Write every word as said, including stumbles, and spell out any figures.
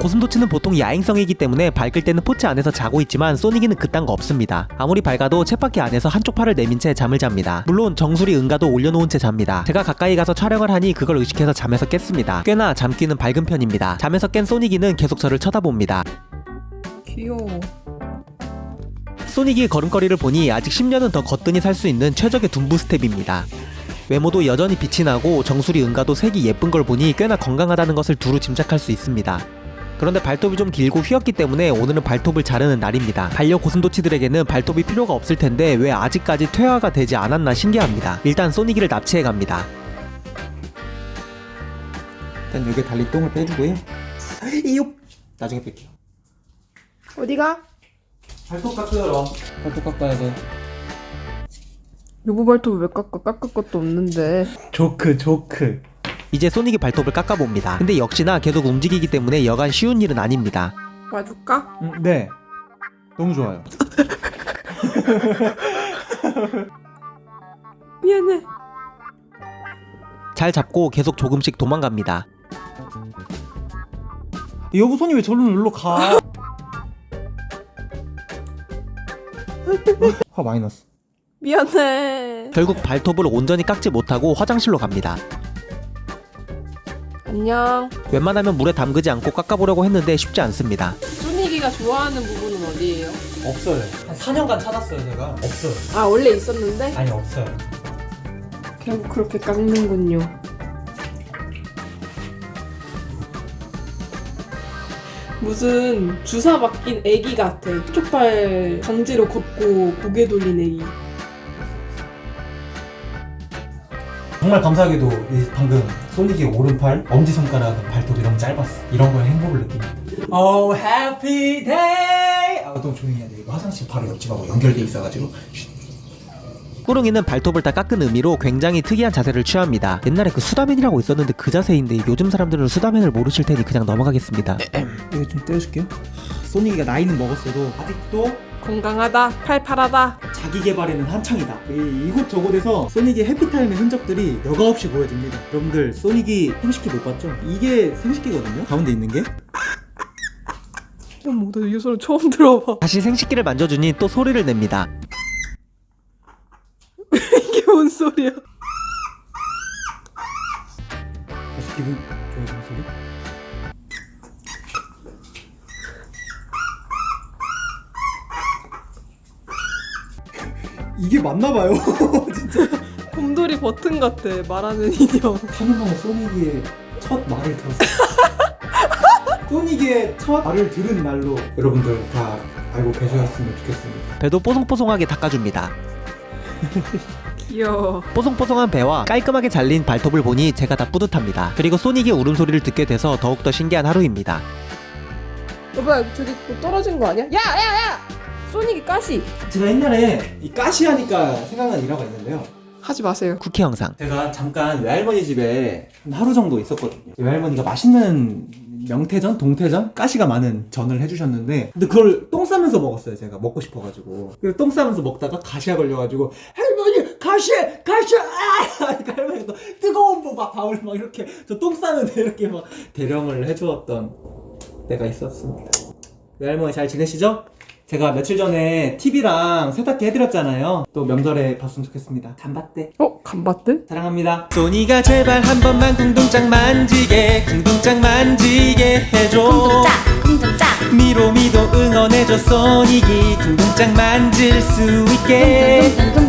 고슴도치는 보통 야행성이기 때문에 밝을 때는 포츠 안에서 자고 있지만 소닉이는 그딴 거 없습니다. 아무리 밝아도 쳇바퀴 안에서 한쪽 팔을 내민 채 잠을 잡니다. 물론 정수리 응가도 올려놓은 채 잡니다. 제가 가까이 가서 촬영을 하니 그걸 의식해서 잠에서 깼습니다. 꽤나 잠귀는 밝은 편입니다. 잠에서 깬 소닉이는 계속 저를 쳐다봅니다. 귀여워. 소닉이 걸음걸이를 보니 아직 십 년은 더 거뜬히 살 수 있는 최적의 둔부 스텝입니다. 외모도 여전히 빛이 나고 정수리 응가도 색이 예쁜 걸 보니 꽤나 건강하다는 것을 두루 짐작할 수 있습니다. 그런데 발톱이 좀 길고 휘었기 때문에 오늘은 발톱을 자르는 날입니다. 반려 고슴도치들에게는 발톱이 필요가 없을 텐데 왜 아직까지 퇴화가 되지 않았나 신기합니다. 일단 소닉이를 납치해 갑니다. 일단 여기에 달린 똥을 빼주고요. 이요. 나중에 뺄게요. 어디가? 발톱 깎으러. 발톱 깎아야 돼. 여보 발톱 왜 깎아? 깎을 것도 없는데. 조크 조크. 이제 소닉이 발톱을 깎아봅니다. 근데 역시나 계속 움직이기 때문에 여간 쉬운 일은 아닙니다. 봐줄까? 음, 네. 너무 좋아요. 미안해. 잘 잡고 계속 조금씩 도망갑니다. 여보 손이 왜 저리로 놀러 가? 화 많이 났어. 미안해. 결국 발톱을 온전히 깎지 못하고 화장실로 갑니다. 안녕. 웬만하면 물에 담그지 않고 깎아보려고 했는데 쉽지 않습니다. 소닉이가 좋아하는 부분은 어디예요? 없어요. 한 사 년간 찾았어요 제가. 없어요. 아 원래 있었는데? 아니 없어요. 결국 그렇게 깎는군요. 무슨 주사 맞긴 애기 같아. 쪽발 강제로 걷고 고개 돌린 애기. 정말 감사하게도 이 방금 소닉이 오른팔, 엄지손가락, 발톱 이런 거 짧았어. 이런 거에 행복을 느낍니다. Oh happy day. 아 너무 조용히 해야 돼. 이거 화장실 바로 옆집하고 연결돼 있어가지고. 꾸릉이는 발톱을 다 깎은 의미로 굉장히 특이한 자세를 취합니다. 옛날에 그 수다맨이라고 있었는데 그 자세인데 요즘 사람들은 수다맨을 모르실 테니 그냥 넘어가겠습니다. 이거 좀 떼어줄게요. 소닉이가 나이는 먹었어도 아직도 건강하다. 팔팔하다. 자기 개발에는 한창이다. 이, 이곳저곳에서 소닉의 해피타임의 흔적들이 여과 없이 보여집니다. 여러분들 소닉이 생식기 못 봤죠? 이게 생식기거든요? 가운데 있는 게. 어머 나 이 소리 처음 들어봐. 다시 생식기를 만져주니 또 소리를 냅니다. 이게 뭔 소리야? 다시 기분 좋아지는 소리? 이게 맞나봐요. 진짜. 곰돌이 버튼 같아. 말하는 인형. 하는 만에 소닉이의 첫 말을 들었어요. 소닉의 첫 말을 들은 날로 여러분들 다 알고 계셨으면 좋겠습니다. 배도 뽀송뽀송하게 닦아줍니다. 귀여워. 뽀송뽀송한 배와 깔끔하게 잘린 발톱을 보니 제가 다 뿌듯합니다. 그리고 소닉의 울음소리를 듣게 돼서 더욱더 신기한 하루입니다. 여보야 저기 뭐 떨어진 거 아니야? 야야야! 소닉이 가시! 제가 옛날에 이 가시하니까 생각난 일화가 있는데요. 하지 마세요. 쿠키 영상. 제가 잠깐 외할머니 집에 한 하루 정도 있었거든요. 외할머니가 맛있는 명태전, 동태전, 가시가 많은 전을 해주셨는데 근데 그걸 똥 싸면서 먹었어요. 제가 먹고 싶어가지고. 그래서 똥 싸면서 먹다가 가시가 걸려가지고 할머니 가시! 가시! 아! 그러니까 할머니가 또 뜨거운 뭐 막 밥을 막 이렇게 저 똥 싸는데 이렇게 막 대령을 해주었던 때가 있었습니다. 외할머니 잘 지내시죠? 제가 며칠 전에 티비랑 세탁기 해드렸잖아요. 또 명절에 봤으면 좋겠습니다. 간봤대. 어? 간봤대? 사랑합니다. 소니가 제발 한 번만 궁둥짝 만지게 궁둥짝 만지게 해줘. 궁둥짝 궁둥짝 미로미도 응원해줘. 소닉이 궁둥짝 만질 수 있게. 궁둥궁둥